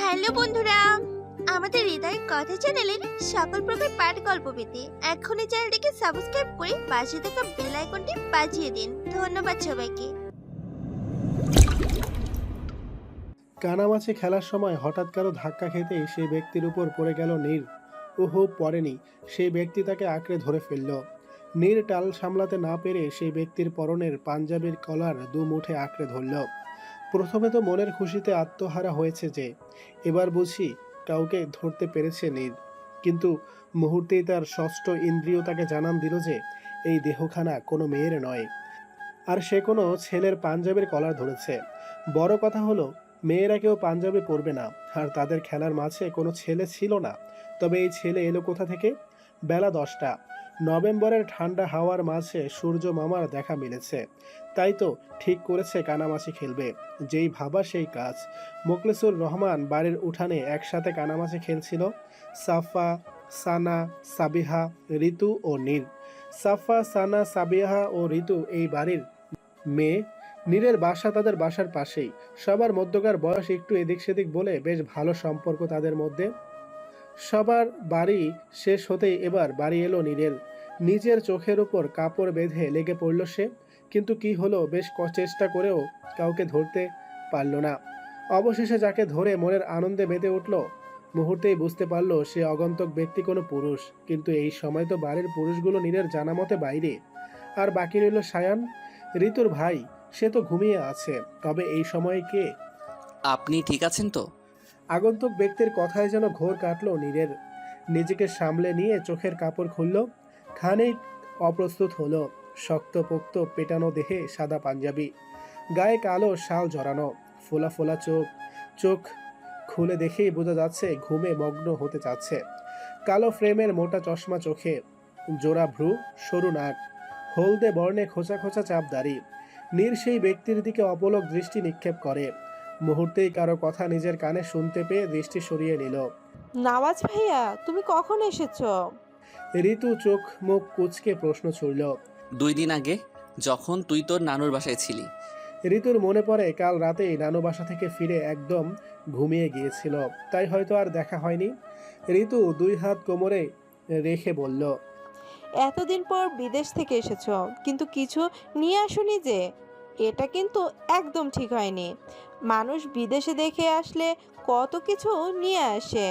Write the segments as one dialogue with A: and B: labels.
A: Hello বন্ধুরা, আমাদের হৃদয় কথা চ্যানেলের সকল প্রকার পাঠ গল্প পেতে এখনই চ্যানেলটিকে সাবস্ক্রাইব করে পাশে থাকা বেল আইকনটি বাজিয়ে দিন। ধন্যবাদ সবাইকে।
B: কানামাছি খেলার সময় হঠাৎ কারো ধাক্কা খেতেই সেই ব্যক্তির উপর পড়ে গেল নীর। ওহো, পড়েনি, সেই ব্যক্তি তাকে আঁকড়ে ধরে ফেলল। নীর টাল সামলাতে না পেরে সেই ব্যক্তির পরনের পাঞ্জাবির কলার দু মুঠে আঁকড়ে ধরল। প্রথমে তো মনের খুশিতে আত্মহারা হয়েছে যে এবার বুঝি কাউকে ধরতে পেরেছে নীর, কিন্তু মুহূর্তেই তার ষষ্ঠ ইন্দ্রিয় তাকে জানান দিল যে এই দেহখানা কোনো মেয়ের নয়, আর সে কোনো ছেলের পাঞ্জাবির কলার ধরেছে। বড় কথা হলো মেয়েরা কেউ পাঞ্জাবি পরবে না, আর তাদের খেলার মাঝে কোনো ছেলে ছিল না। তবে এই ছেলে এলো কোথা থেকে? বেলা 10টা, নভেম্বরের ঠান্ডা হাওয়ার মাঝে সূর্য মামার দেখা মিলেছে। তাই তো ঠিক করেছে কানামাছি খেলবে। যেই ভাবা সেই কাজ। মোখলেসুর রহমান বাড়ির উঠানে একসাথে কানামাছি খেলছিল সাফা, সানা, সাবিহা, ঋতু ও নীর। সাফা, সানা, সাবিহা ও ঋতু এই বাড়ির মেয়ে। নীরের বাসা তাদের বাসার পাশেই। সবার মধ্যকার বয়স একটু এদিক সেদিক বলে বেশ ভালো সম্পর্ক তাদের মধ্যে। সবার বাড়ি শেষ হতেই এবার বাড়ি এলো নীরের। নিজের চোখের উপর কাপড় বেঁধে লেগে পড়ল সে, কিন্তু কি হলো, বেশ চেষ্টা করেও কাউকে ধরতে পারল না। অবশেষে যাকে ধরে মনের আনন্দে মেতে উঠল, মুহূর্তেই বুঝতে পারলো সে অগন্তুক ব্যক্তি কোনো পুরুষ। কিন্তু এই সময় তো বাড়ির পুরুষগুলো নীরের জানা মতে বাইরে, আর বাকি রইল সায়ান, ঋতুর ভাই। সে তো ঘুমিয়ে আছে। তবে এই সময়ে কে?
C: আপনি ঠিক আছেন তো?
B: আগন্তুক ব্যক্তির কথায় যেন ঘোর কাটল নীরের। নিজেকে সামলে নিয়ে চোখের কাপড় খুলল, খানিক অপ্রস্তুত হলো। শক্তপোক্ত পেটানো দেহে সাদা পাঞ্জাবি, গায়ে কালো শাল জড়ানো, ফোলা ফোলা চোখ। চোখ খুলে দেখেই বোঝা যাচ্ছে ঘুমে মগ্ন হতে চাচ্ছে। কালো ফ্রেমের মোটা চশমা চোখে, জোড়া ভ্রু, সরু নাক, হলদে বর্ণে খোঁচা খোঁচা চাপ দাড়ি। নীর সেই ব্যক্তির দিকে অপলক দৃষ্টি নিক্ষেপ করে। মুহূর্তেই কারো কথা নিজের কানে শুনতে পেয়ে দৃষ্টি সরিয়ে নিল।
D: নওয়াজ ভাইয়া, তুমি কখন এসেছো?
B: ঋতু চোখ মুখ কুঁচকে প্রশ্ন ছুড়ল।
C: 2 দিন আগে, যখন তুই তোর নানুর বাসায় ছিলি।
B: ঋতুর মনে পড়ে কাল রাতেই নানু বাসা থেকে ফিরে একদম ঘুমিয়ে গিয়েছিল, তাই হয়তো আর দেখা হয়নি। ঋতু 2 হাত কোমরে রেখে বলল,
D: এতদিন পর বিদেশ থেকে এসেছো, কিন্তু কিছু নিয়ে আসোনি যে? এটা কিন্তু একদম ঠিক হয়নি। মানুষ বিদেশে দেখে আসলে কত কিছু নিয়ে আসে,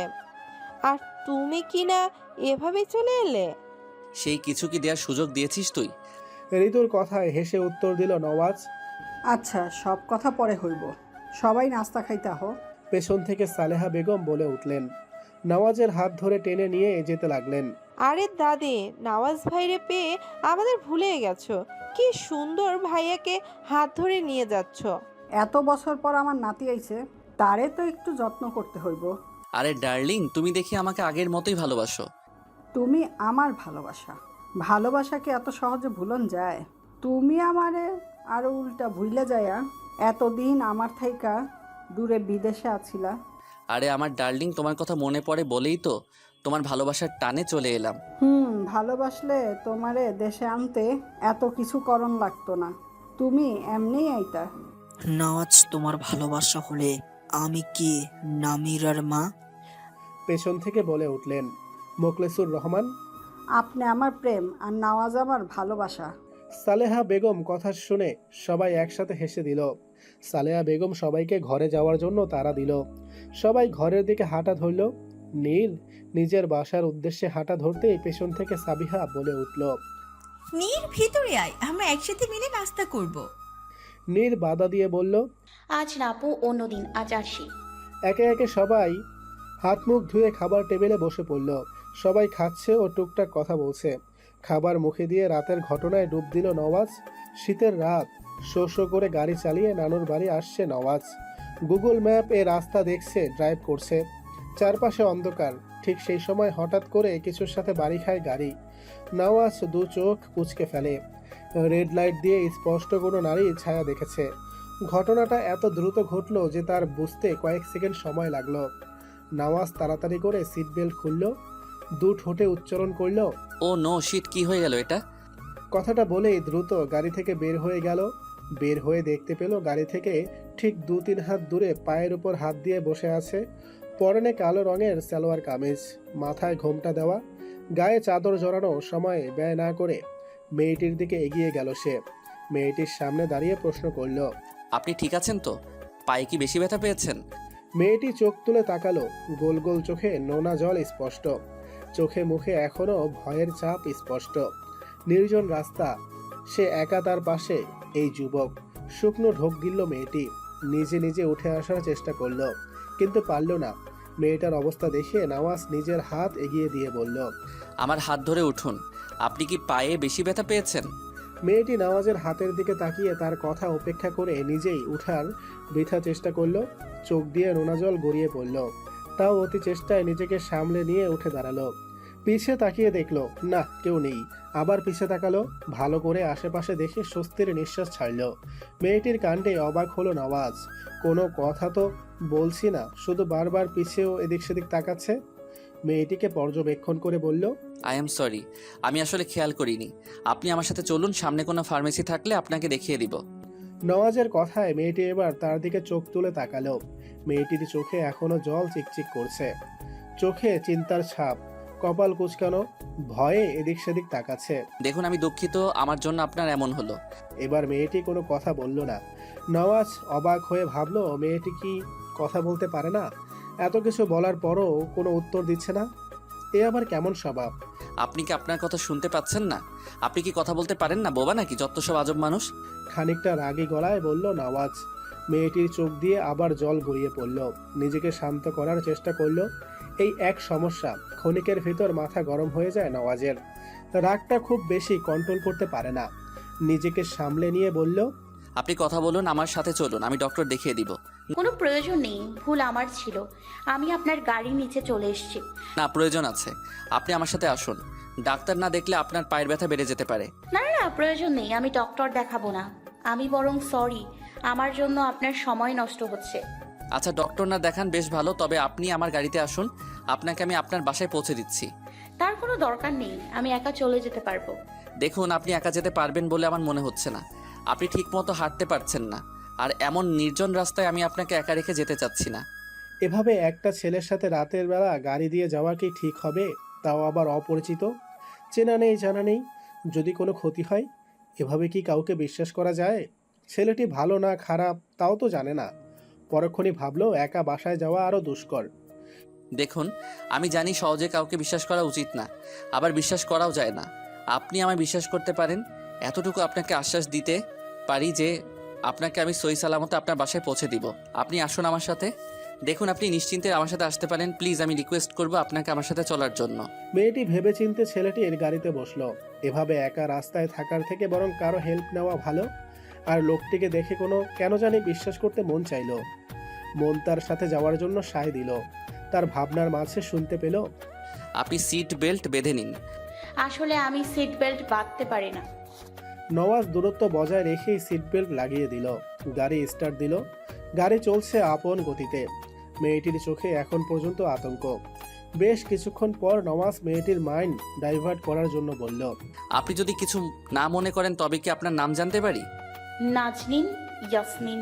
D: আর তুমি কি না এভাবেই চলে এলে?
C: সেই কিছু কি দেওয়ার সুযোগ দিয়েছিস তুই?
B: ঋতুর কথায় হেসে উত্তর দিল নওয়াজ।
E: আচ্ছা, সব কথা পরে হইব, সবাই নাস্তা খাইতে আহ।
B: পেছন থেকে সালেহা বেগম বলে উঠলেন। নওয়াজের হাত ধরে টেনে নিয়ে যেতে লাগলেন।
D: আরে দাদি, নওয়াজ ভাইরে পেয়ে আমাদের ভুলে গেছো। কি সুন্দর ভাইয়াকে হাত ধরে নিয়ে যাচ্ছ।
E: এত বছর পর আমার নাতি আইছে, তারে তো একটু যত্ন করতে হইব।
C: আরে ডার্লিং, তুমি দেখি আমাকে আগের মতোই ভালোবাসো।
E: তুমি আমার ভালোবাসা, ভালোবাসাকে এত সহজে ভুলন যায়? তুমি আমারে আরো উল্টা ভুইলে যায়া এতদিন আমার থাইকা দূরে বিদেশে আছিলা।
C: আরে আমার ডার্লিং, তোমার কথা মনে পড়ে বলেই তো তোমার ভালোবাসার টানে চলে এলাম।
E: ভালোবাসলে তোমারে দেশে আনতে এত কিছু করণ লাগতো না, তুমি এমনিই আইতা।
F: নওয়াজ, তোমার ভালোবাসা হলে আমি কি নামিরার মা?
B: পেছন থেকে বলে উঠলেন মোখলেসুর রহমান।
E: আপনি আমার প্রেম আর নওয়াজ আমার ভালোবাসা।
B: সালেহা বেগম কথা শুনে সবাই একসাথে হেসে দিল। সালেহা বেগম সবাইকে ঘরে যাওয়ার জন্য তাড়া দিল। সবাই ঘরের দিকে হাঁটা ধরল। নীল নিজের বাসার উদ্দেশ্যে হাঁটা ধরতেই পেছন থেকে সাবিহা বলে উঠল,
G: নীর, ভিতরে আয়, আমরা একসাথে মিলে নাস্তা করব।
B: নীল বাধা দিয়ে বলল,
H: আজ না আপু, অন্যদিন, আজ আসি।
B: একে একে সবাই হাত মুখ ধুয়ে খাবার টেবিলে বসে পড়ল। সবাই খাচ্ছে ও টুকটাক কথা বলছে। খাবার মুখে দিয়ে রাতের ঘটনায় ডুব দিল নওয়াজ। শীতের রাত, শো শো করে গাড়ি চালিয়ে নানুর বাড়ি আসছে নওয়াজ। গুগল ম্যাপ এ রাস্তা দেখছে, ড্রাইভ করছে। চারপাশে অন্ধকার। ঠিক সেই সময় হঠাৎ করে কিছুর সাথে বাড়ি খায় গাড়ি। নওয়াজ 2 চোখ কুঁচকে ফেলে। রেড লাইট দিয়ে স্পষ্ট কোনো নারীর ছায়া দেখেছে। ঘটনাটা এত দ্রুত ঘটল যে তার বুঝতে কয়েক সেকেন্ড সময় লাগলো। নওয়াজ তাড়াতাড়ি করে সিট বেল্ট খুলল, 2 ঠোঁটে উচ্চারণ করল,
C: ও নো শিট, কি হয়ে গেল এটা?
B: কথাটা বলেই দ্রুত গাড়ি থেকে বের হয়ে গেল। বের হয়ে দেখতে পেল গাড়ি থেকে ঠিক 2-3 হাত দূরে পায়ের উপর হাত দিয়ে বসে আছে পরনে কালো রঙের সালোয়ার কামিজ, মাথায় ঘোমটা দেওয়া, গায়ে চাদর জড়ানো, সময় ব্যয় না করে মেয়েটির দিকে এগিয়ে গেল সে। মেয়েটির সামনে দাঁড়িয়ে প্রশ্ন করল।
C: আপনি ঠিক আছেন তো? পায়ে কি বেশি ব্যথা পেয়েছেন?
B: মেয়েটি চোখ তুলে তাকালো, গোল গোল চোখে নোনা জল স্পষ্ট, চোখে মুখে এখনো ভয়ের ছাপ স্পষ্ট। নির্জন রাস্তা, সে একা, তার পাশে এই যুবক। শুকনো ঢোক গিলল মেয়েটি, নিজে নিজে উঠে আসার চেষ্টা করলো, কিন্তু পারল না। মেয়েটার অবস্থা দেখে নওয়াজ নিজের হাত এগিয়ে দিয়ে বলল।
C: আমার হাত ধরে উঠুন। আপনি কি পায়ে বেশি ব্যথা পেয়েছেন?
B: মেয়েটি নওয়াজের হাতের দিকে তাকিয়ে তার কথা উপেক্ষা করে নিজেই উঠার বৃথা চেষ্টা করলো। চোখ দিয়ে নোনা জল গড়িয়ে পড়ল, তাও অতি চেষ্টায় নিজেকে সামলে নিয়ে উঠে দাঁড়ালো। পিছে তাকিয়ে দেখলো না, কেউ নেই। আবার পিছে তাকালো, ভালো করে আশেপাশে দেখে স্বস্তির নিঃশ্বাস ছাড়ল। মেয়েটির কাণ্ডে অবাক হলো নওয়াজ। কোনো কথা তো বলছি না, শুধু বারবার পিছেও এদিক সেদিক তাকাচ্ছে। মেয়েটিকে পর্যবেক্ষণ করে বলল।
C: আই এম সরি, আমি আসলে খেয়াল করিনি। আপনি আমার সাথে চলুন, সামনে কোনো ফার্মেসি থাকলে আপনাকে দেখিয়ে দিব।
B: নওয়াজের কথায় মেয়েটি এবার তার দিকে চোখ তুলে তাকালো। মেয়েটির চোখে এখনো জল চিকচিক করছে, চোখে চিন্তার ছাপ, কপাল কুঁচকানো, ভয়ে এদিক সেদিক তাকাচ্ছে।
C: দেখুন, আমি দুঃখিত আমার জন্য আপনার এমন হলো।
B: এবার মেয়েটি কোনো কথা বলল না। নওয়াজ অবাক হয়ে ভাবলো, মেয়েটি কি কথা বলতে পারে না? এত কিছু বলার পরও কোনো উত্তর দিচ্ছে না, এ আবার কেমন স্বভাব?
C: আপনি কি আপনার কথা শুনতে পাচ্ছেন না? আপনি কি কথা বলতে পারেন না? বোবা নাকি? যত সব আজব মানুষ।
B: খানিকটা রাগী গলায় বলল নওয়াজ। মেয়েটির চোখ দিয়ে আবার জল গড়িয়ে পড়ল। নিজেকে শান্ত করার চেষ্টা করলো। এই এক সমস্যা, ক্ষণিকের ভিতর মাথা গরম হয়ে যায় নওয়াজের। রাগটা খুব বেশি কন্ট্রোল করতে পারে না। নিজেকে সামলে নিয়ে বলল।
C: আপনি কথা বলুন, আমার সাথে চলুন, আমি ডক্টর দেখিয়ে দিব।
H: কোনো প্রয়োজন নেই, ভুল আমার ছিল। আমি আপনার গাড়ির নিচে চলে এসেছি।
C: না, প্রয়োজন আছে। আপনি আমার সাথে আসুন। ডাক্তার না দেখলে আপনার পায়ের ব্যথা বেড়ে যেতে পারে।
H: না না না, প্রয়োজন নেই, আমি ডক্টর দেখাবো না। আমি বরং সরি, আমার জন্য আপনার সময় নষ্ট হচ্ছে।
C: আচ্ছা, ডক্টর না দেখান বেশ ভালো, তবে আপনি আমার গাড়িতে আসুন, আপনাকে আমি আপনার বাসায় পৌঁছে দিচ্ছি।
H: তার কোনো দরকার নেই, আমি একা চলে যেতে পারবো।
C: দেখুন, আপনি একা যেতে পারবেন বলে আমার মনে হচ্ছে না। আপনি ঠিকমতো হাঁটতে পারছেন না, আর এমন নির্জন রাস্তায় আমি আপনাকে একা রেখে যেতে চাচ্ছি না।
B: এভাবে একটা ছেলের সাথে রাতের বেলা গাড়ি দিয়ে যাওয়া কি ঠিক হবে? তাও আবার অপরিচিত, চেনা নেই জানা নেই। যদি কোনো ক্ষতি হয়, এভাবে কি কাউকে বিশ্বাস করা যায়? ছেলেটি ভালো না খারাপ তাও তো জানে না। পরক্ষণই ভাবলো একা বাসায় যাওয়া আরও দুষ্কর।
C: দেখুন, আমি জানি সহজে কাউকে বিশ্বাস করা উচিত না, আবার বিশ্বাস করাও যায় না। আপনি আমায় বিশ্বাস করতে পারেন, এতটুকু আপনাকে আশ্বাস দিতে পারি যে আপনাকে আমি সহি সালামতে আপনার বাসায় পৌঁছে দিব। আপনি আসুন আমার সাথে। দেখুন, আপনি নিশ্চিন্তে আমার সাথে আসতে পারেন। প্লিজ, আমি রিকোয়েস্ট করব আপনাকে আমার সাথে চলার জন্য।
B: মেয়েটি ভেবেচিন্তে ছেলেটির গাড়িতে বসলো। এভাবে একা রাস্তায় থাকার থেকে বরং কারো হেল্প নেওয়া ভালো। আর লোকটিকে দেখে কোনো কেন জানি বিশ্বাস করতে মন চাইলো। মন তার সাথে যাওয়ার জন্য সায় দিল। তার ভাবনার মাঝে শুনতে পেল।
C: আপনি সিট বেল্ট বেঁধে নিন।
H: আসলে আমি সিট বেল্ট বাঁধতে পারি না।
B: নওয়াজ দূরত্ব বজায় রেখেই সিট বেল্ট লাগিয়ে দিল। গাড়ি স্টার্ট দিল। গাড়ি চলছে আপন গতিতে। মেয়েটির চোখে এখন পর্যন্ত আতঙ্ক। বেশ কিছুক্ষণ পর নওয়াজ মেয়েটির মাইন্ড ডাইভার্ট করার জন্য বলল।
C: আপনি যদি কিছু না মনে করেন তবে কি আপনার নাম জানতে পারি?
H: নাজনীন ইয়াসমিন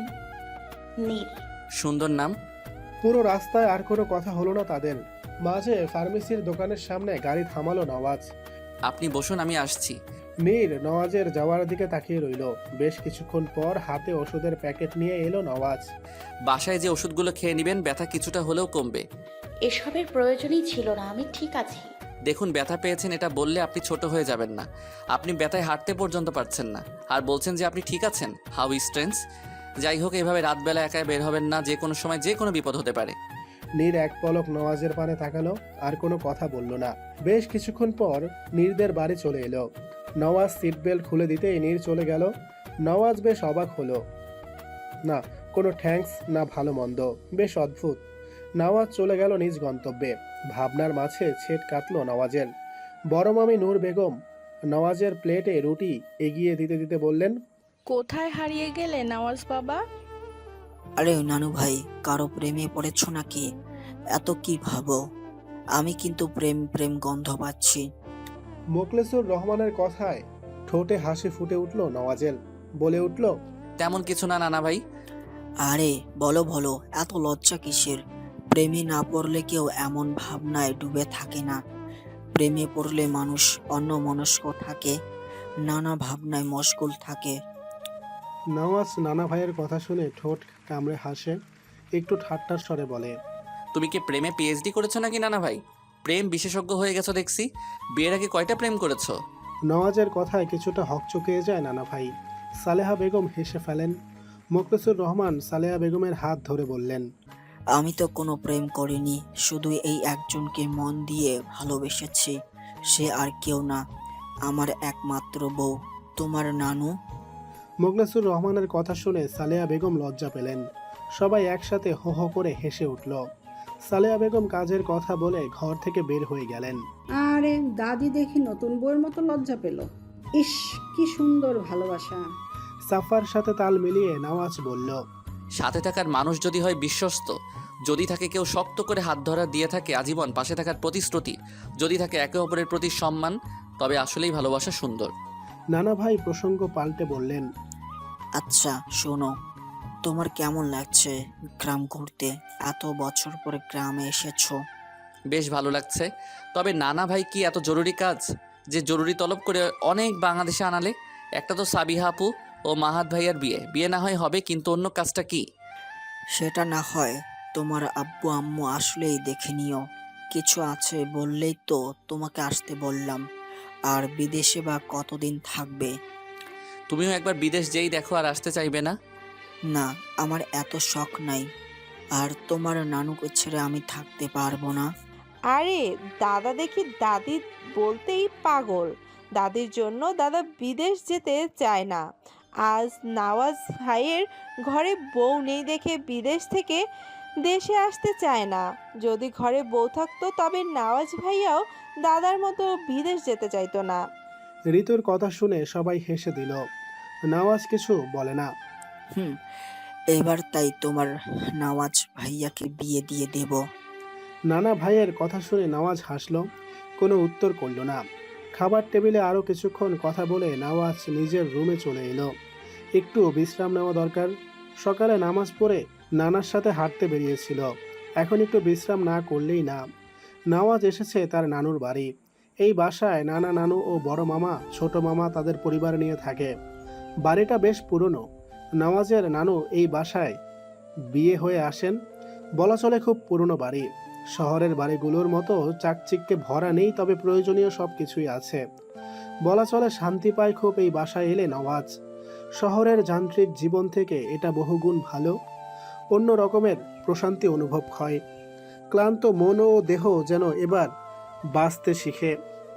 H: নীর।
C: সুন্দর নাম।
B: পুরো রাস্তায় আর কোনো কথা হলো না তাদের। মাঝে ফার্মেসির দোকানের সামনে গাড়ি থামালো নওয়াজ।
C: আপনি বসুন, আমি আসছি।
B: নীর নওয়াজের যাওয়ার দিকে তাকিয়ে রইল। বেশ কিছুক্ষণ পর হাতে ওষুধের প্যাকেট নিয়ে এলো নওয়াজ।
C: বাসায় যে ওষুধগুলো খেয়ে নেবেন, ব্যথা কিছুটা হলেও কমবে।
H: এসবের প্রয়োজনই ছিল না, আমি ঠিক আছি।
C: দেখুন, ব্যথা পেয়েছেন এটা বললে আপনি ছোট হয়ে যাবেন না। আপনি ব্যথায় হাঁটতে পর্যন্ত পারছেন না, আর বলছেন যে আপনি ঠিক আছেন। How strange. যাই হোক, এভাবে রাতবেলা একাই বের হবেন না, যে কোনো সময় যে কোনো বিপদ হতে পারে।
B: নীর এক পলক নওয়াজের পানে তাকালো, আর কোনো কথা বলল না। বেশ কিছুক্ষণ পর নীরদের বাড়ি চলে এলো। নওয়াজ সিট বেল্ট খুলে দিতেই নীর চলে গেল। নওয়াজ বেশ অবাক হলো। না কোনো থ্যাঙ্কস, না ভালো মন্দ, বেশ অদ্ভুত। নওয়াজ চলে গেল নিজ গন্তব্যে। ভাবনার মাঝে ছেদ কাটল নওয়াজের। বড় মামি নূর বেগম নওয়াজের প্লেটে রুটি এগিয়ে দিতে দিতে বললেন।
I: কোথায় হারিয়ে গেলে নওয়াজ বাবা?
F: আরে নানু ভাই, কারো প্রেমে পড়েছ নাকি? এত কি ভাবো? আমি কিন্তু প্রেম প্রেম গন্ধ পাচ্ছি।
B: মোখলেসুর রহমানের কথায় ঠোঁটে হাসি ফুটে উঠল নওয়াজের। বলে উঠল।
C: তেমন কিছু না নানা ভাই।
F: আরে বলো বলো, এত লজ্জা কিসের? প্রেমে না পড়লে কেউ এমন ভাবনায় ডুবে থাকে না। প্রেমে পড়লে মানুষ অন্যমনস্ক থাকে, নানা ভাবনায় মশগুল থাকে।
B: নওয়াজ নানা ভাইয়ের কথা শুনে ঠোঁট কামড়ে হাসে, একটু ঠাট্টার স্বরে বলে,
C: তুমি কি প্রেমে পিএইচডি করেছো নাকি নানা ভাই? প্রেম বিশেষজ্ঞ হয়ে গেছো দেখছি। বিয়ের আগে কয়টা প্রেম করেছো?
B: নওয়াজের কথায় কিছুটা হকচকিয়ে যায় নানা ভাই। সালেহা বেগম হেসে ফেলেন। মোখলেসুর রহমান সালেহা বেগমের হাত ধরে বললেন,
F: আমি তো কোনো প্রেম করিনি, শুধু এই একজনকে মন দিয়ে ভালোবেসেছি। সে আর কেউ না, আমার একমাত্র বউ, তোমার নানু।
B: মোখলেসুর রহমানের কথা শুনে সালেহা বেগম লজ্জা পেলেন। সবাই একসাথে হো হো করে হেসে উঠল। সালেহা বেগম কাজের কথা বলে ঘর থেকে বের হয়ে গেলেন।
E: আরে দাদি দেখি নতুন বউয়ের মতো লজ্জা পেল। ইস, কি সুন্দর ভালোবাসা।
B: সাফার সাথে তাল মিলিয়ে নওয়াজ বলল,
C: সাথে থাকার মানুষ যদি হয় বিশ্বস্ত, যদি থাকে কেউ শক্ত করে হাত ধরা দিয়ে থাকে আজীবন পাশে থাকার প্রতিশ্রুতি, যদি থাকে একে অপরের প্রতি সম্মান, তবে আসলেই ভালোবাসা সুন্দর।
B: নানা ভাই প্রসঙ্গ পাল্টে বললেন,
F: আচ্ছা শোনো, তোমার কেমন লাগছে গ্রাম ঘুরতে? এত বছর পরে গ্রামে এসেছো।
C: বেশ ভালো লাগছে। তবে নানা ভাই কি এত জরুরি কাজ যে জরুরি তলব করে অনেক বাংলাদেশে আনালে? একটা তো সাবিহা আপু ও মাহাত ভাইয়ার বিয়ে না হয় হবে, কিন্তু অন্য কাজটা কি?
F: সেটা না হয় তোমার আব্বু আম্মু আসলেই দেখে নিও। কিছু আছে বললেই তো তোমাকে আসতে বললাম। আর বিদেশে বা কতদিন থাকবে?
C: তুমিও একবার বিদেশ যেই দেখো আর আসতে চাইবে না?
F: না, আমার এত শখ নাই। আর তোমার নানুকে ছেড়ে আমি থাকতে পারবো না।
D: আরে দাদা দেখি দাদি বলতেই পাগল। দাদির জন্য দাদা বিদেশ যেতে চায় না। আজ নওয়াজ ভাইয়ের ঘরে বউ নেই দেখে বিদেশ থেকে দেশে আসতে চায় না। যদি ঘরে বউ থাকতো তবে নওয়াজ ভাইয়াও দাদার মতো বিদেশ যেতে চাইতো না।
B: ঋতুর কথা শুনে সবাই হেসে দিল। নওয়াজ কিছু বলে না।
F: হুম, এবার তাই তোমার নওয়াজ ভাইয়াকে বিয়ে দিয়ে দেব।
B: নানা ভাইয়ের কথা শুনে নওয়াজ হাসল, কোনো উত্তর করল না। খাবার টেবিলে আরও কিছুক্ষণ কথা বলে নওয়াজ নিজের রুমে চলে এলো। একটু বিশ্রাম নেওয়া দরকার। সকালে নামাজ পড়ে নানার সাথে হাঁটতে বেরিয়েছিল, এখন একটু বিশ্রাম না করলেই না। নওয়াজ এসেছে তার নানুর বাড়ি। এই বাসায় নানা, নানু ও বড় মামা, ছোট মামা তাদের পরিবার নিয়ে থাকে। বাড়িটা বেশ পুরনো। নওয়াজের নানু এই বাসায় বিয়ে হয়ে আসেন। বলা চলে খুব পুরনো বাড়ি। শহরের বাড়িগুলোর মতো চাকচিক্যে ভরা নেই, তবে প্রয়োজনীয় সব কিছুই আছে। বলা চলে শান্তি পায় খুব এই বাসায় এলে নওয়াজ। শহরের যান্ত্রিক জীবন থেকে এটা বহুগুণ ভালো। অন্য রকমের প্রশান্তি অনুভব হয়। ক্লান্ত মন ও দেহ যেন এবার বাঁচতে শিখে।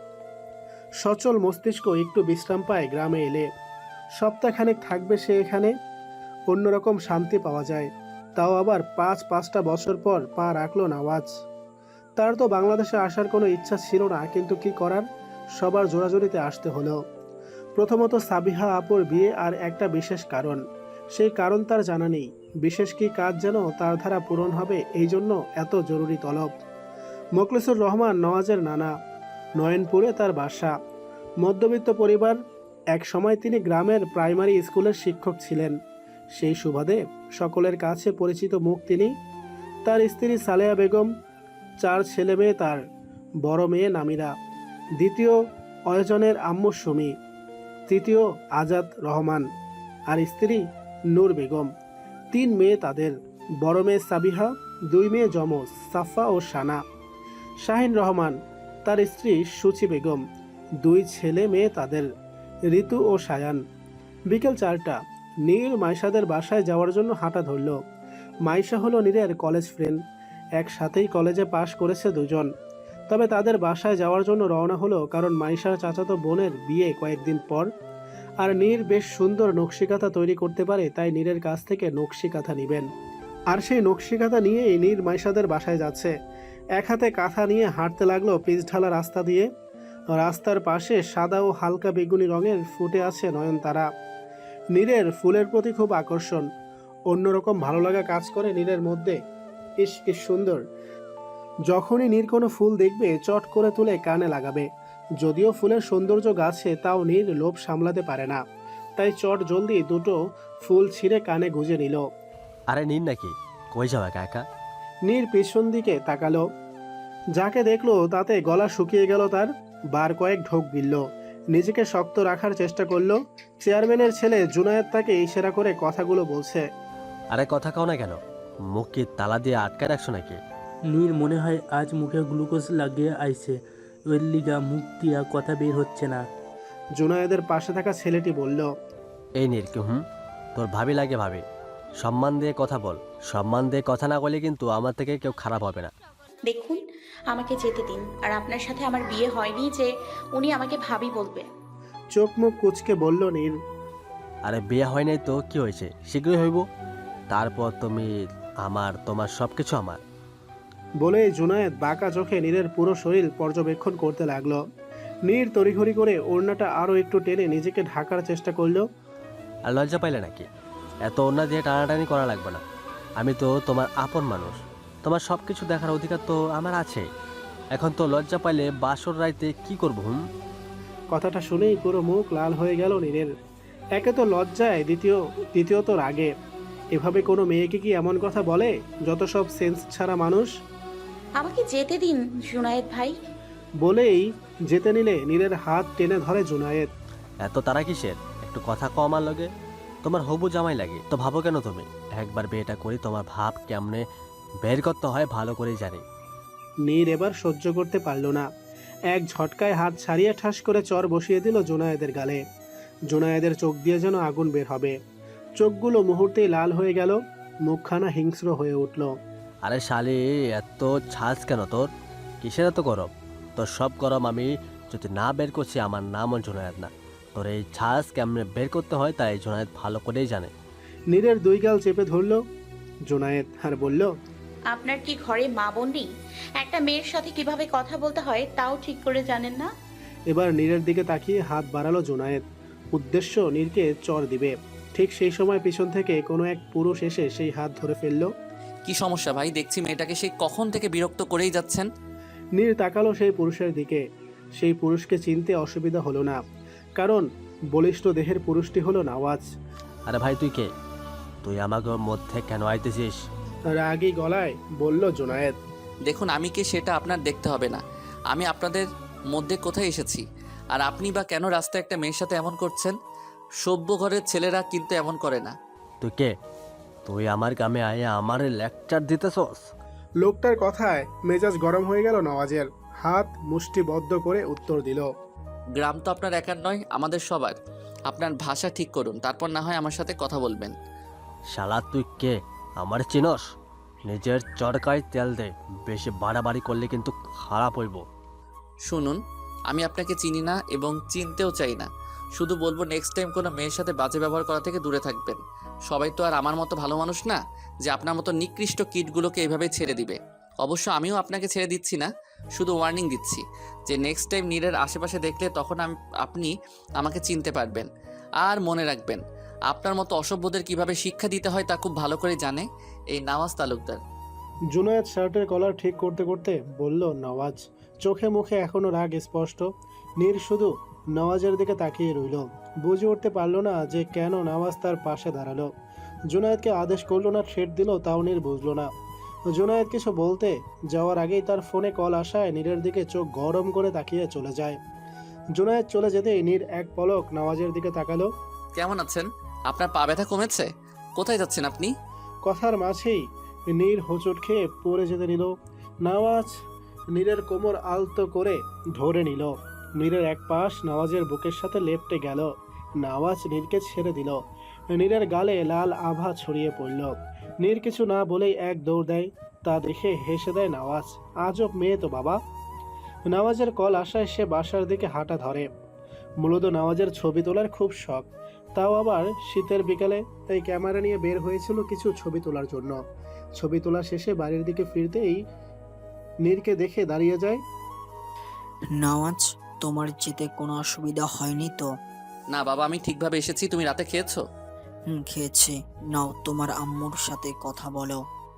B: সচল মস্তিষ্ক একটু বিশ্রাম পায় গ্রামে এলে। সপ্তাহখানেক থাকবে সে এখানে। অন্যরকম শান্তি পাওয়া যায়। তাও আবার 5-5টা বছর পর পা রাখলো নওয়াজ। তার তো বাংলাদেশে আসার কোনো ইচ্ছা ছিল না, কিন্তু কি করার, সবার জোরাজোরিতে আসতে হলো। প্রথমত সাবিহা আপুর বিয়ে, আর একটা বিশেষ কারণ। সেই কারণ তার জানা নেই। বিশেষ কি কাজ যেন তার দ্বারা পূরণ হবে, এই জন্য এত জরুরি তলব। মোখলেসুর রহমান নওয়াজের নানা। নয়নপুরে তার বাসা। মধ্যবিত্ত পরিবার। এক সময় তিনি গ্রামের প্রাইমারি স্কুলের শিক্ষক ছিলেন। সেই সুবাদে সকলের কাছে পরিচিত মুখ তিনি। তার স্ত্রী সালেহা বেগম, 4 ছেলে মেয়ে তার। বড় মেয়ে নামিরা, দ্বিতীয় অয়জনের আম্মু সুমি, তৃতীয় আজাদ রহমান, আর স্ত্রী নূর বেগম। 3 মেয়ে তাদের। বড় মেয়ে সাবিহা, 2 মেয়ে যমজ সাফা ও সানা। শাহিন রহমান, তার স্ত্রী সুচি বেগম, 2 ছেলে মেয়ে তাদের, ঋতু ও সায়ান। বিকেল 4টা। নীর মাইশাদের বাসায় যাওয়ার জন্য হাঁটা ধরল। মাইশা হলো নীরের কলেজ ফ্রেন্ড। একসাথেই কলেজে পাশ করেছে দুজন। তবে তাদের বাসায় যাওয়ার জন্য রওনা হলো, কারণ মাইশার চাচাতো বোনের বিয়ে কয়েকদিন পর। আর নীর বেশ সুন্দর নকশিকাঁথা তৈরি করতে পারে, তাই নীরের কাছ থেকে নকশিকাঁথা নেবেন। আর সেই নকশিকাঁথা নিয়েই নীর মাইশাদের বাসায় যাচ্ছে। এক হাতে কাঁথা নিয়ে হাঁটতে লাগলো পিচঢালা রাস্তা দিয়ে। রাস্তার পাশে সাদা ও হালকা বেগুনি রঙের ফুটে আছে নয়নতারা। নীরের ফুলের প্রতি খুব আকর্ষণ। অন্যরকম ভালো লাগা কাজ করে নীরের মধ্যে। ইস, কি সুন্দর! যখনই নীর কোনো ফুল দেখবে চট করে তুলে কানে লাগাবে। যদিও ফুলের সৌন্দর্য গাছে, তাও নীর লোভ সামলাতে পারে না, তাই চট জলদি 2টো ফুল ছিঁড়ে কানে গুঁজে নিল।
J: আরে নিন নাকি, কই যাও একা একা?
B: নীর পেছন দিকে তাকালো। যাকে দেখলো তাতে গলা শুকিয়ে গেল তার। বার কয়েক ঢোক গিলল, নিজেকে শক্ত রাখার চেষ্টা করলো। চেয়ারম্যানের ছেলে জুনায়েদ তাকে ইশারা করে কথাগুলো বলছে।
J: আরে কথা কও না কেন? মুখ কি তালা দিয়ে আটকে রাখছো নাকি?
K: নীর মনে হয় আজ মুখে গ্লুকোজ লাগিয়ে আইছে, ওর লিগা মুখ দিয়া কথা বের হচ্ছে না।
B: জুনায়েদের পাশে থাকা ছেলেটি বলল,
J: এই নীর কি তোর ভাবি লাগে ভাবি, সম্মান দিয়ে কথা বল। সম্মান দিয়ে কথা না বলে কিন্তু আমার থেকে কেউ খারাপ হবে না।
H: দেখুন, আমাকে যেতে দিন। আর আপনার সাথে আমার বিয়ে হয়নি যে উনি আমাকে ভাবি বলবে।
B: চোখ মুখ কুচকে বলল নীর।
J: আরে বিয়ে হয় নাই তো কি হয়েছে, শীঘ্রই হইব। তারপর তুমি আমার, তোমার সব কিছু আমার।
B: বলে জুনায়েদ বাঁকা চোখে নীরের পুরো শরীর পর্যবেক্ষণ করতে লাগলো। নীর তড়িঘড়ি করে ওড়নাটা আরো একটু টেনে নিজেকে ঢাকার চেষ্টা করলো।
J: আর লজ্জা পাইলে নাকি? এত ওড়না দিয়ে টানাটানি করা লাগবে না। আমি তো তোমার আপন মানুষ, তোমার সব কিছু দেখার অধিকার তো আমার আছে। এখন তো লজ্জা পাইলে বাসর রাইতে কি করব?
B: কথাটা শুনেই পুরো মুখ লাল হয়ে গেল নীরের। একে তো লজ্জায়, দ্বিতীয়ত রাগে। এভাবে কোনো মেয়েকে কি এমন কথা বলে, যত সব সেন্স ছাড়া মানুষ।
H: আমাকে যেতে দিন জুনায়েদ ভাই।
B: বলেই যেতে নিলে নীরের হাত টেনে ধরে জুনায়েদ।
J: এত তারা কিসের? একটু কথা কম আর লগে। তোমার হবু জামাই লাগে তো ভাবো কেন তুমি? একবার বিয়েটা করি, তোমার ভাব কেমনে বের করতে হয় ভালো করেই জানি।
B: নীর এবার সহ্য করতে পারল না। এক ঝটকায় হাত ছাড়িয়ে ঠাস করে চর বসিয়ে দিল জুনায়েদের গালে। জুনায়েদের চোখ দিয়ে যেন আগুন বের হবে। চোখগুলো মুহূর্তেই লাল হয়ে গেল, মুখখানা হিংস্র হয়ে উঠল।
J: আরে শালি, এত ছাজ কেন তোর? কিসের এত গরম? তোর সব গরম আমি যদি না বের করছি, আমার নামও জুনায়েদ না। তোর এই ছাজ কেমনে বের করতে হয় তাই জুনায়েদ ভালো করেই জানে।
B: নীরের দুই গাল চেপে ধরল জুনায়েদ আর বলল,
H: আপনার কি ঘরে মা বোন নেই? একটা মেয়ের সাথে কিভাবে কথা বলতে হয় তাও ঠিক করে জানেন না?
B: এবার নীরের দিকে তাকিয়ে হাত বাড়ালো জুনায়েদ, উদ্দেশ্য নীরকে চর দিবে। ঠিক সেই সময় পিছন থেকে কোনো এক পুরুষ এসে সেই হাত ধরে ফেলল।
C: কি সমস্যা ভাই? দেখছি মেয়েটাকে সেই কখন থেকে বিরক্ত করেই যাচ্ছেন।
B: নীর তাকালো সেই পুরুষের দিকে। সেই পুরুষকে চিনতে অসুবিধা হলো না, কারণ বলিষ্ঠ দেহের পুরুষটি হলো নওয়াজ।
J: আরে ভাই তুই কে? তুই আমাকে মধ্যে কেন আইতেছিস?
B: রাগী গলায় বলল জুনায়েদ।
C: দেখুন, আমি কে সেটা আপনার দেখতে হবে না। আমি আপনাদের মধ্যে কোথায় এসেছি, আর আপনি বা কেন রাস্তায় একটা মেয়ের সাথে এমন করছেন? সভ্য ঘরের ছেলেরা কিন্তু এমন করে না।
J: তুই কে? তুই আমার গ্রামে আয়ে আমার লেকচার দিতেছস?
B: লোকটার কথায় মেজাজ গরম হয়ে গেল নওয়াজের। হাত মুষ্টিবদ্ধ করে উত্তর দিল,
C: গ্রাম তো আপনার একার নয়, আমাদের সবার। আপনার ভাষা ঠিক করুন, তারপর না হয় আমার সাথে কথা বলবেন।
J: শালা তুই কে? আমার চিনস? নিজের চরকায় তেল দে, বেশি বাড়াবাড়ি করলে কিন্তু খারাপ হইব।
C: শুনুন, আমি আপনাকে চিনি না এবং চিনতেও চাই না। শুধু বলবো নেক্সট টাইম কোনো মেয়ের সাথে বাজে ব্যবহার করা থেকে দূরে থাকবেন। সবাই তো আর আমার মতো ভালো মানুষ না যে আপনার মতো নিকৃষ্ট কিটগুলোকে এভাবে ছেড়ে দিবে। অবশ্য আমিও আপনাকে ছেড়ে দিচ্ছি না, শুধু ওয়ার্নিং দিচ্ছি যে নেক্সট টাইম নীরের আশেপাশে দেখলে তখন আপনি আমাকে চিনতে পারবেন। আর মনে রাখবেন, আপনার মতো অসভ্যদের কিভাবে শিক্ষা দিতে হয় তা খুব ভালো করে জানে এই নওয়াজ তালুকদার।
B: জুনায়েদ শার্টের কলার ঠিক করতে করতে বলল নওয়াজ। চোখে মুখে এখনো রাগ স্পষ্ট। নীর শুধু নওয়াজের দিকে তাকিয়ে রইল। বুঝে উঠতে পারল না যে কেন নওয়াজ তার পাশে দাঁড়ালো। জুনায়েদকে আদেশ করলো না, থ্রেট দিল, তাও নীর বুঝলো না। জুনায়েদ কিছু বলতে যাওয়ার আগেই তার ফোনে কল আসায় নীরের দিকে চোখ গরম করে তাকিয়ে চলে যায়। জুনায়েদ চলে যেতেই নীর এক পলক নওয়াজের দিকে তাকালো।
C: কেমন আছেন? আপনার পা ব্যথা কমেছে? কোথায় যাচ্ছেন আপনি?
B: কথার মাঝেই নীর হোঁচট খেয়ে পড়ে যেতে নিল। নওয়াজ নীরের কোমর আলতো করে ধরে নিল। নীরের এক পাশ নওয়াজের বুকের সাথে লেপ্টে গেল। নওয়াজ নীরকে ছেড়ে দিল। নীরের গালে লাল আভা ছড়িয়ে পড়ল। নীর কিছু না বলেই এক দৌড় দেয়। তা দেখে হেসে দেয় নওয়াজ। আজব মেয়ে তো বাবা। নওয়াজের কল আসায় সে বাসার দিকে হাঁটা ধরে। মূলত নওয়াজের ছবি তোলার খুব শখ, তাও আবার শীতের বিকালে। তাই ক্যামেরা নিয়ে বের হয়েছিল কিছু ছবি তোলার জন্য। ছবি তোলা শেষে বাড়ির দিকে ফিরতেই নীরকে দেখে দাঁড়িয়ে যায়।
F: নওয়াজ, তোমার যেতে কোনো অসুবিধা হয়নি তো?
C: না বাবা, আমি ঠিকভাবে এসেছি। তুমি রাতে খেয়েছো?
F: খেয়েছি। নাও তোমার আম্মুর সাথে কথা বলো।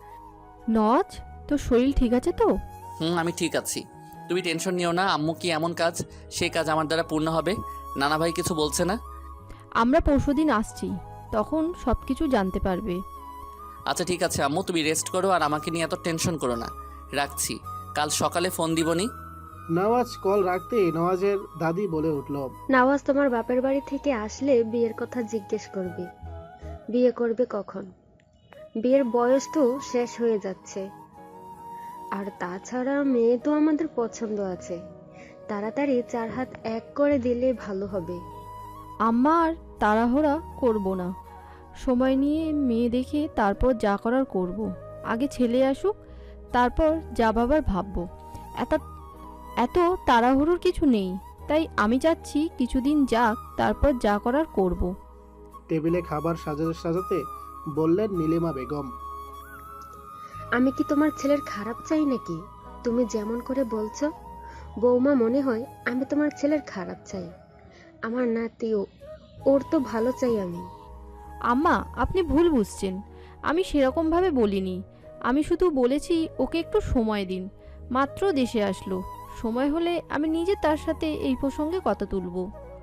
I: নজ, তোর শরীর ঠিক আছে তো?
C: আমি ঠিক আছি। তুমি টেনশন নিও না। আম্মু কি এমন কাজ, সেই কাজ আমার দ্বারা পূর্ণ হবে। নানা ভাই কিছু বলছে না?
I: আমরা পরশুদিন আসছি, তখন সব কিছু জানতে পারবে।
C: আচ্ছা ঠিক আছে আম্মু, তুমি রেস্ট করো আর আমাকে নিয়ে এত টেনশন করো না। রাখছি, কাল সকালে ফোন দিবনি।
B: নওয়াজ কল রাখতেই নওয়াজের দাদি বলে উঠল,
I: নওয়াজ তোমার বাপের বাড়ি থেকে আসলে বিয়ের কথা জিজ্ঞেস করবে। বিয়ে করবে কখন? বিয়ের বয়স তো শেষ হয়ে যাচ্ছে। আর তাছাড়া মেয়ে তো আমাদের পছন্দ আছে, তাড়াতাড়ি 4 হাত এক করে দিলে ভালো হবে।
L: আম্মা আর তাড়াহুড়া করব না, সময় নিয়ে মেয়ে দেখে তারপর যা করার করব। আগে ছেলে আসুক, তারপর যা ভাবার ভাববো। এত এত তাড়াহুড়োর কিছু নেই, তাই আমি চাচ্ছি কিছুদিন যাক, তারপর যা করার করব।
B: টেবিলে খাবার সাজাতে সাজাতে বললেন নীলিমা বেগম।
I: আমি কি তোমার ছেলের খারাপ চাই নাকি? তুমি যেমন করে বলছো বৌমা, মনে হয় আমি তোমার ছেলের খারাপ চাই। আমার নাতিও, ওর তো ভালো চাই আমি।
L: আম্মা, আপনি ভুল বুঝছেন, আমি সেরকমভাবে বলিনি। আমি শুধু বলেছি ওকে একটু সময় দিন, মাত্র দেশে আসলো, সময় হলে আমি নিজে তার সাথে এই প্রসঙ্গে কথা তুলব।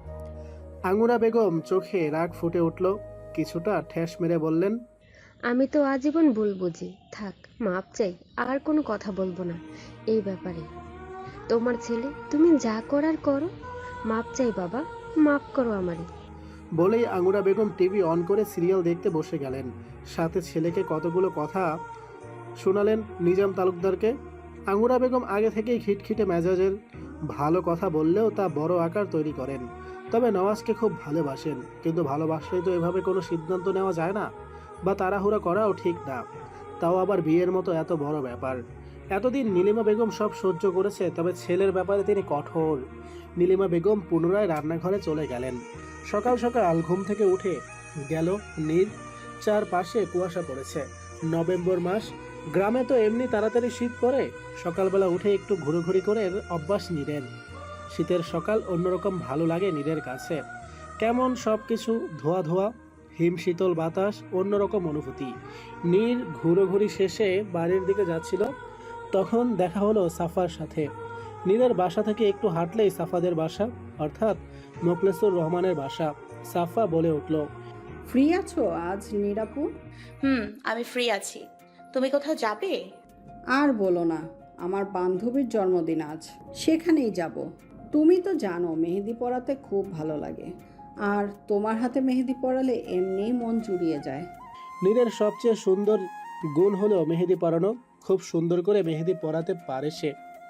B: আঙ্গুরা বেগম চোখে রাগ ফুটে উঠল, কিছুটা ঠেস মেরে বললেন,
I: আমি তো আজীবন ভুল বুঝি, থাক মাপ চাই, আর কোনো কথা বলবো না এই ব্যাপারে। তোমার ছেলে, তুমি যা করার করো, মাপ চাই বাবা, মাপ করো আমারে।
B: বলেই আঙ্গুরা বেগম টিভি অন করে সিরিয়াল দেখতে বসে গেলেন। সাথে ছেলেকে কতগুলো কথা শোনালেন নিজাম তালুকদারকে। আঙ্গুরা বেগম আগে থেকেই খিটখিটে মেজাজের, ভালো কথা বললেও তা বড় আকার তৈরি করেন। তবে নওয়াজকে খুব ভালোবাসেন, কিন্তু ভালোবাসলেই তো এভাবে কোনো সিদ্ধান্ত নেওয়া যায় না, বা তাড়াহুড়া করাও ঠিক না, তাও আবার বিয়ের মতো এত বড় ব্যাপার। এতদিন নীলিমা বেগম সব সহ্য করেছে, তবে ছেলের ব্যাপারে তিনি কঠোর। নীলিমা বেগম পুনরায় রান্নাঘরে চলে গেলেন। সকাল সকাল ঘুম থেকে উঠে গেল নীর। চারপাশে কুয়াশা পড়েছে, নভেম্বর মাস, গ্রামে তো এমনি তাড়াতাড়ি শীত পড়ে। সকালবেলা উঠে একটু ঘুরোঘুরি করে অভ্যাস নীরের। শীতের সকাল অন্যরকম ভালো লাগে নীরের কাছে, কেমন সব কিছু ধোয়া ধোয়া, হিম শীতল বাতাস, অন্যরকম অনুভূতি। নীর ঘুরোঘুরি শেষে বাড়ির দিকে যাচ্ছিল, তখন দেখা হলো সাফার সাথে। নীরের বাসা থেকে একটু হাঁটলেই সাফাদের বাসা, অর্থাৎ মোখলেসুর রহমানের বাসা। সাফা বলে উঠল,
E: ফ্রি আছো আজ নিরাপু?
H: আমি ফ্রি আছি। তুমি কোথাও যাবে?
E: আর বলো না, আমার বান্ধবীর জন্মদিন আজ, সেখানেই যাব। তুমি তো জানো মেহেদি পরাতে খুব ভালো লাগে, আর তোমার হাতে মেহেদি পরালে এমনিই মন জুড়িয়ে যায়।
B: নীরের সবচেয়ে সুন্দর গুণ হলো মেহেদি পরানো। খুব সুন্দর করে মেহেদি পরাতে পারে সে,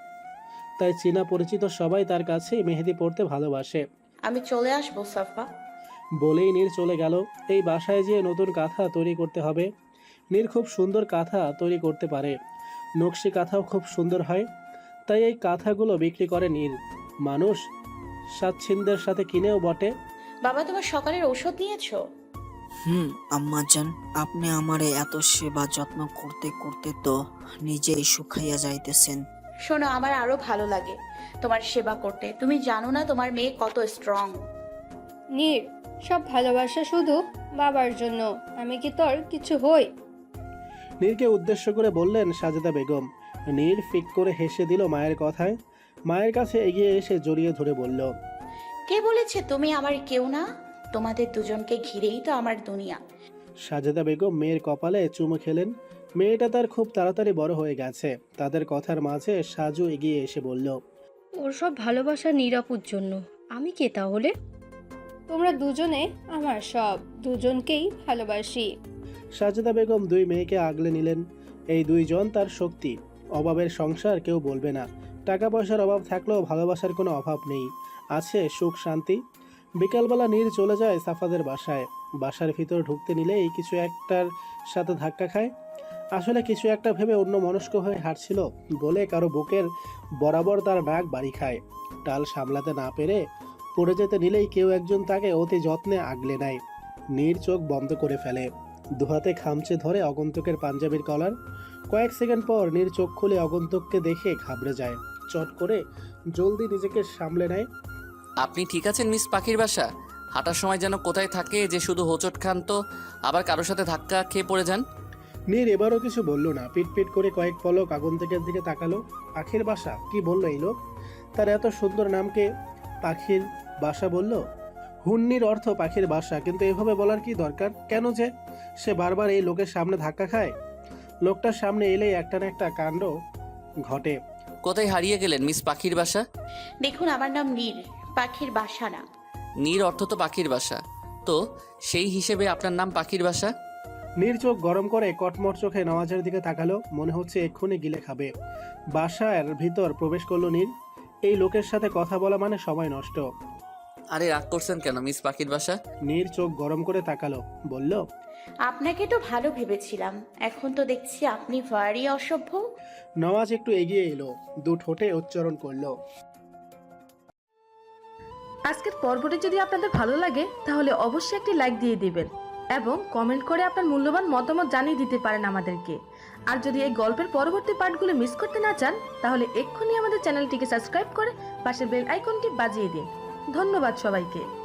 B: তাই চেনা পরিচিত সবাই তার কাছে মেহেদি পরতে ভালোবাসে।
H: আমি চলে আসবো সাফা।
B: বলেই নীর চলে গেল। এই বাসায় যেয়ে নতুন কাঁথা তৈরি করতে হবে। নীর খুব সুন্দর কাঁথা তৈরি করতে পারে, নকশি কাঁথাও খুব সুন্দর হয়, তাই এই কাঁথাগুলো বিক্রি করে নীর। মানুষ স্বাচ্ছন্দ্যের সাথে কিনেও বটে।
H: বাবা, তোমার সকালের ঔষধ নিয়েছো?
F: আম্মাজান, আপনি আমারে এত সেবা যত্ন করতে করতে তো নিজেই শুকাইয়া যাইতেছেন।
H: শোনো, আমার আরো ভালো লাগে তোমার সেবা করতে। তুমি জানো না তোমার মেয়ে কত স্ট্রং।
M: নীর, সব ভালোবাসা শুধু বাবার জন্য, আমি কি তোর কিছু হই?
B: নীরকে উদ্দেশ্য করে বললেন সাজেদা বেগম। নীর ফিক করে হেসে দিল মায়ের কথায়। মায়ের কাছে এগিয়ে এসে জড়িয়ে ধরে বলল,
H: কে বলেছে তুমি আমার কেউ না? তোমাদের দুজনকে ঘিরেই তো আমার দুনিয়া।
B: সাজেদা বেগম মেয়ের কপালে চুমু খেলেন। মেয়েটা তার খুব তাড়াতাড়ি বড় হয়ে গেছে। তাদের কথার মাঝে সাজু এগিয়ে এসে বলল,
M: ওর সব ভালোবাসা নিরাপুর জন্য, আমি কে তাহলে? তোমরা দুজনে আমার সব, দুজনকেই ভালোবাসি।
B: সাজেদা বেগম দুই মেয়েকে আগলে নিলেন। এই দুইজন তার শক্তি। অভাবের সংসার কেউ বলবে না। টাকা পয়সার অভাব থাকলেও ভালোবাসার কোনো অভাব নেই, আছে সুখ শান্তি। বিকালবেলা নীর চলে যায় সাফাদের বাসায়। বাসার ভিতর ঢুকতে নিলেই কিছু একটার সাথে ধাক্কা খায়। আসলে কিছু একটা ভেবে অন্য মনস্ক হয়ে হাঁটছিল বলে কারো বুকের বরাবর তার নাক বাড়ি খায়। টাল সামলাতে না পেরে পড়ে যেতে নিলেই কেউ একজন তাকে অতি যত্নে আগলে নেয়। নীর চোখ বন্ধ করে ফেলে, দুহাতে খামচে ধরে আগন্তুকের পাঞ্জাবির কলার। কয়েক সেকেন্ড পর নীর চোখ খুলে আগন্তুককে দেখে ঘাবড়ে যায়। চট করে জলদি নিজেকে সামলে নেয়।
C: আপনি ঠিক আছেন মিস পাখির বাসা? হাঁটার সময় যেন কোথায় থাকে যে শুধু হোঁচট খান, তো আবার কারোর সাথে ধাক্কা খেয়ে পড়ে যান।
B: নীর এবারও কিছু বলল না, পিট করে কয়েক পলক আগন্তুকের দিকে তাকালো। পাখির বাসা কি বললো এই লোক? তার এত সুন্দর নামকে পাখির বাসা বলল? হুন্নির অর্থ পাখির বাসা, কিন্তু এভাবে বলার কি দরকার? কেন যে সে বারবার এই লোকের সামনে ধাক্কা খায়? লোকটার সামনে এলেই একটা না একটা কাণ্ড ঘটে।
C: কোথায় হারিয়ে গেলেন মিস পাখির বাসা?
H: দেখুন, আমার নাম নীর, পাখির বাসা না।
C: নীর অর্থ তো পাখির বাসা, তো সেই হিসেবে আপনার নাম পাখির বাসা?
B: নীর চোখ গরম করে কটমট চোখে নওয়াজের দিকে তাকালো, মনে হচ্ছে এক্ষুনি গিলে খাবে। বাসার ভিতর প্রবেশ করলো নীর। এই লোকের সাথে কথা বলা মানে সময় নষ্ট।
C: আরে রাগ করছেন কেন মিস পাখির বাসা?
B: নীর চোখ গরম করে তাকালো, বলল,
H: আপনাকে তো ভালো ভেবেছিলাম, এখন তো দেখছি আপনি ভারী অসভ্য।
B: নওয়াজ একটু এগিয়ে এলো, দু ঠোঁটে উচ্চারণ করলো।
N: আজকের পর্বটি যদি আপনাদের ভালো লাগে তাহলে অবশ্যই একটি লাইক দিয়ে দিবেন এবং কমেন্ট করে আপনার মূল্যবান মতামত জানিয়ে দিতে পারেন আমাদেরকে। আর যদি এই গল্পের পরবর্তী পার্টগুলো মিস করতে না চান তাহলে এক্ষুনি আমাদের চ্যানেলটিকে সাবস্ক্রাইব করে পাশের বেল আইকনটি বাজিয়ে দিন। ধন্যবাদ সবাইকে।